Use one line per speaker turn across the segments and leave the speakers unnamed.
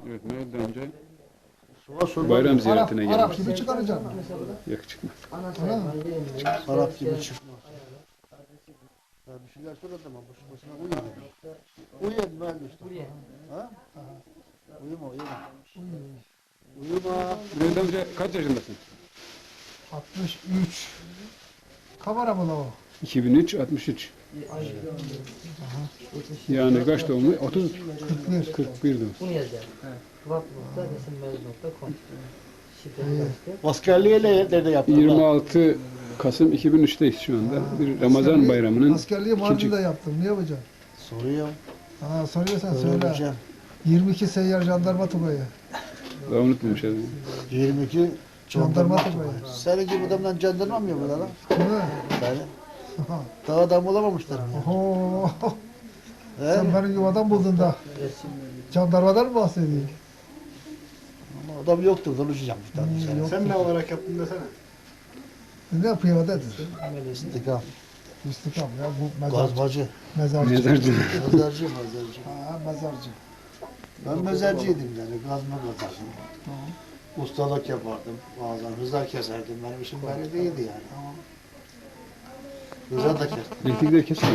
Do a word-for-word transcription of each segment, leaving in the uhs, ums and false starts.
Evet, nereden önce
Suva
bayram ziyaretine
Arap, Arap
geldik.
gibi çıkaracaksın.
Yok çıkmaz.
Arap gibi çıkmaz. Ya bir şeyler söyledim ama boşu boşuna uyuyor. Uyuyun ben işte. Ha? Uyuma uyuma. Uyuma.
Bülent amca kaç yaşındasın?
altmış üç. Kamera mı la o?
iki bin üç, altmış üç. Yani kaç doğumlu? otuz,
kırk bir.
kırk bir doğum.
Bunu yazacağım. Vat nokta resimmez nokta com.
Askerliğe nerede yaptın?
yirmi altı Kasım iki bin üç'teyiz şu anda. Bir Ramazan
Askerliği-
bayramının
Askerliği
ikinci...
Mardin'de yaptım. Ne yapacaksın?
Soruyor.
Ha, soruyorsan söyle.
Söyleyeceğim.
yirmi iki seyyar jandarma tugayı.
Daha unutmamış herhalde.
yirmi iki
Jandarma
jandarma.
tugayı.
Senin gibi adamdan jandarma mı yapıyorlar lan?
Değil mi?
Yani. Daha adam olamamışlar mı?
Oho.
He?
Sen benim yuvadan buldun da. Jandarmadan mı bahsediyorsun?
Ama adam yoktur, konuşacağım bir tane.
Hmm,
Sen,
yok.
sen ne olarak yaptın desene.
Ne yapıyor dedir?
İstikam.
İstikam ya bu mezarcı.
Gazbacı.
Mezarcı.
Mezarcı.
Mezarcı, mezarcı.
Ha, mezarcı.
Ben mezarcıydım yani, gazma kazardım. Ustalık yapardım bazen, hızar keserdim. Benim işim böyle değildi yani. Hızar da kestim.
Elektrikleri kesin.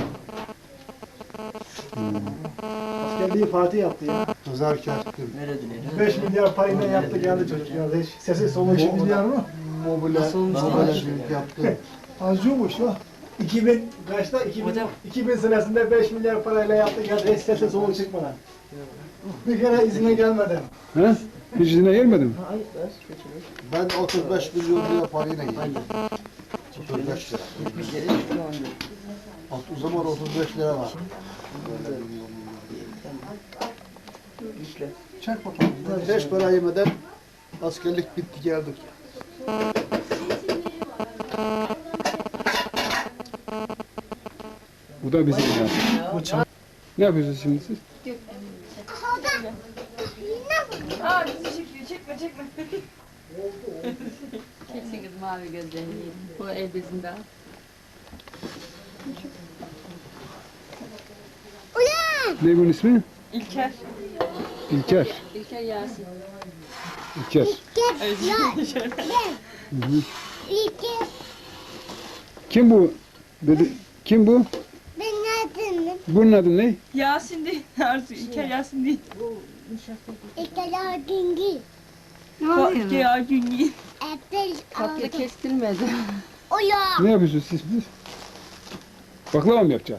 Askerliği Fatih yaptı ya.
Hızar kestim.
beş milyar parayla yaptı geldi çocuk ya. Hiç sesi soluğu
beş
yok.
milyar mı?
Mobile, mobile büyük yaptım.
Acıyormuş la.
iki bin kaçta? iki bin, iki bin senesinde beş milyar parayla yaptı geldi. Hiç sesi soluğu çıkmadan. Bir kere izine gelmeden.
Ha? Hiç izine gelmedin mi?
Ben otuz beş milyon lira parayla yedim. otuz beş lira. O zaman otuz beş lira var.
Çek bakalım.
Beş para yemeden askerlik bitti geldik.
Bu da bizim ya. Ne yapıyorsunuz şimdi siz?
Aa bizi çekiyor. Çekme çekme.
Çeksin kız mavi gözlerini. O el bezinde.
Ne bunun ismi?
İlker.
İlker.
İlker Yasin.
İlker. Hı hı. Kim bu? Dedi. Kim bu? Bunun adı ne?
Yasin değil. Arzu İlker Yasin değil.
Ne
Ko-
oluyor?
Ya Günyi.
Tatlı kestirmedi.
Ne yapıyorsunuz siz? siz? Baklava mı yapacağız?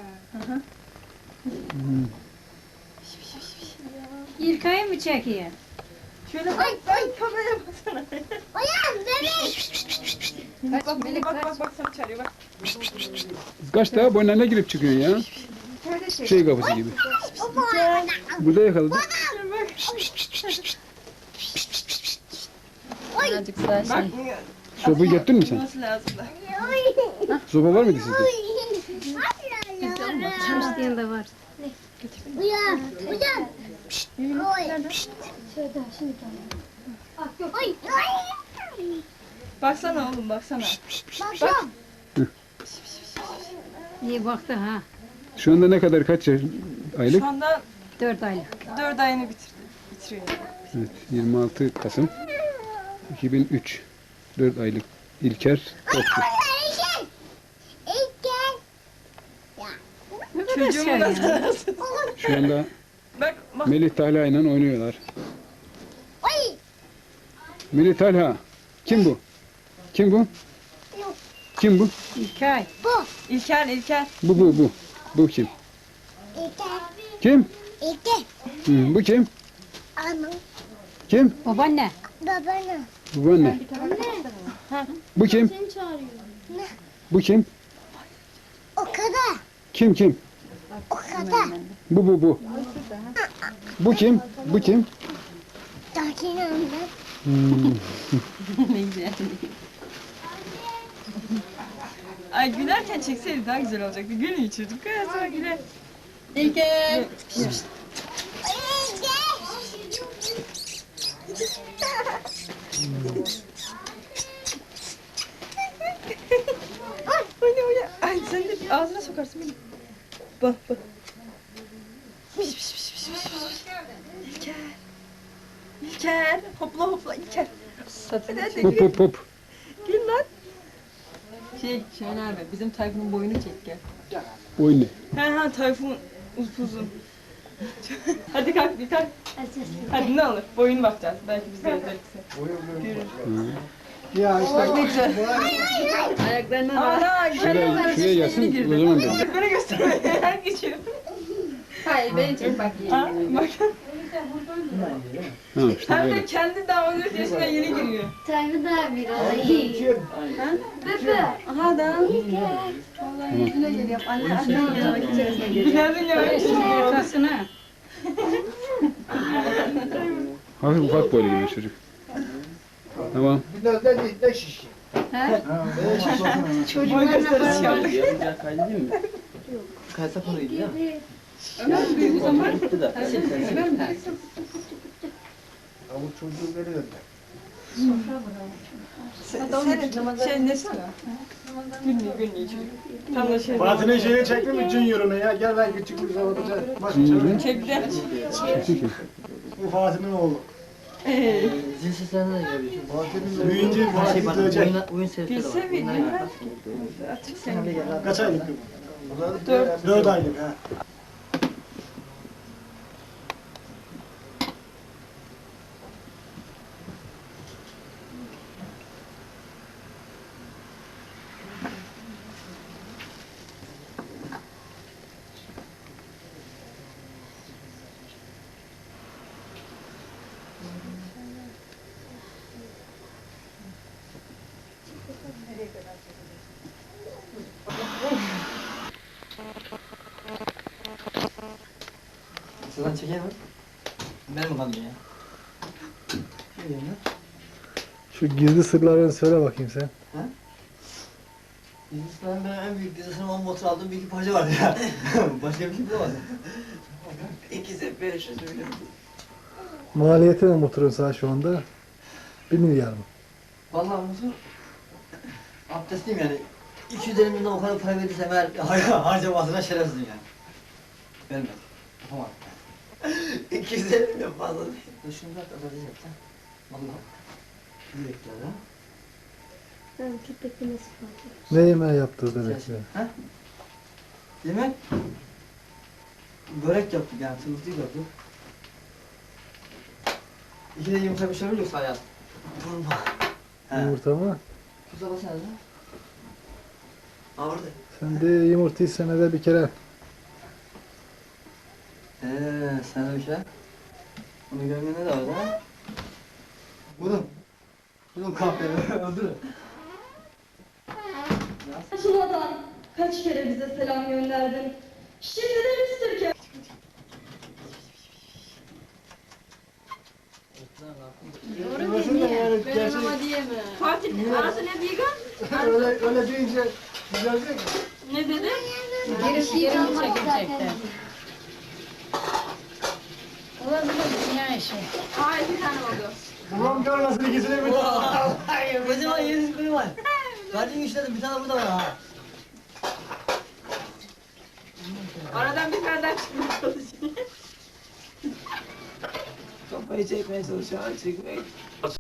İlkay'ı mı çekiyor?
Şöyle bak bak kameraya baksana. Bak
Melek
bak
kaç?
bak bak sana çağırıyor bak.
Kaç daha boynuna girip çıkıyorsun ya? Şey kapısı gibi. Burada yakaladık.
Birazcık daha şey.
Bak.
Sopayı getirdin mi sen?
Nasıl lazım da.
Sopa var mıydı sizde?
Çalıştığın da var.
Baksana oğlum baksana. Bak.
İyi baktı ha.
Şu anda ne kadar kaç yaş- aylık?
Şu anda
Dört aylık.
dört ayını bitirdi. Bitiriyor.
Evet, yirmi altı Kasım iki bin üç. dört aylık İlker Topçu.
Çocuğumu nasıl?
Şu anda
Bak bak.
Melih Talha ile oynuyorlar. Melih Talha. Kim bu? Kim bu? Kim bu?
İlkay.
İlker İlker.
Bu bu bu. Bu kim? Kim? Hı, bu kim? Kim?
Babaanne.
Bu anne. Bu kim? Bu kim? Kim kim? Bu bu bu. Bu kim? Bu kim? Hmm.
Ne güzel.
Ay gülerken çekseydi daha güzel olacaktı. Gülün içirdik. Kaya sonra güler.
İlker.
Ay ne öyle. Ay sen de ağzına sokarsın beni. Bak bak. İlker. İlker. Hopla hopla İlker. Hadi hadi
Hop
gül.
hop hop.
Gül lan. Şey Şahin abi bizim Tayfun'un boyunu çek gel.
Oyun ne?
Ha ha Tayfun upuzun. Hadi kalk bir kalk. Hadi ne olur boyun bakacağız. Belki biz de özellikse.
Ya işte
Bak ne güzel.
Ayaklarına bak.
Ana
Şuraya, şuraya gelsin o zaman ben.
Bana gösterme. Her geçiyor.
Hayır beni çek bakayım.
Ha bak.
Ha işte
Hem de
böyle.
kendi daha on dört yaşına yeni giriyor.
Tabii daha bir olayım. Bebe. Aha da.
Vallahi yüzüne geliyor. Anne anne geliyor. Günaydın ya.
Yakasına.
Hafif ufak boylu gibi çocuk. Tamam.
biraz da değil de şiş.
Boy gösterisi yaptık.
Kaysa paraydı ya.
Büyük zaman.
Gitti de.
Avuç çocuğu veriyor da.
Senin şey nesi var? Günlüğü günlüğü çocuk. Tam da şey.
Fatih'in şeyini çekti mi Junior'unu ya? Gel ben küçük bir zaman önce. Bak
Junior'un?
Çekti.
Çekti ki.
bu Fatih'in oğlu.
Eee.
Zil seslerine de görebiliyorsun.
Fatih'in büyüyünce
Her
Fatih
şey bak,
dövecek.
oyun, oyun serisi de
Bilse
var.
bir
Bunlara
ya.
gel.
Açık sen.
Kaç aylık bu?
Dört.
Dört aylık ha.
Sıradan çekeyim mi? Benim kanım ya.
Şu gizli sırlarını söyle bakayım sen.
Dizisinden ben en büyük dizisinin on motor aldığım bir iki parça vardı ya. Başka bir şey bulamadım. İkisi beş yüz milyon.
Maliyeti ne motorun sana şu anda? Bir milyar mı?
Vallahi motor abdestliyim yani. iki yüz elli milyon o kadar para verirsem eğer har- harcamasına şerefsizim yani. Vermez. Yapamam. iki yüz elli milyon fazla değil. Dur şunu bırak da azalacak yapacağım. Vallahi. Yürekler ha.
Ben köpekle nasıl bakayım?
Ne yemeği yaptırdı bekle.
Ha? Yemek? Börek yaptık yani, tırmızlık yaptık. İki de yumurta bir şey yoksa hayat. Vurma. He.
Yumurta mı?
Kuza basana da. Aa orada.
Sen de yumurtayı senede bir kere.
Eee sen de bir şey. Onu görmene de var ha. Bunun. Bunun kahveni öldürün.
Şuradan kaç kere bize selam gönderdin. Şimdi demiştir ki
Doğru
Nasıl da
demiyor.
yani
Ben
gerçek-
ama diyemem.
Fatih arası ne diyor?
öyle, öyle deyince güzel değil mi?
Ne dedi?
Gerisi yerini çekecekler. Olabilir dünya işi.
Hayır bir tane oldu.
Babam görmesin ikisini bir
Hayır, kocaman yedi biri var. Verdiğin işledim, bir tane burada var ha.
Aradan bir tane daha çıkmaya çalışıyor.
Kafayı çekmeye çalışıyor, çekmeyi.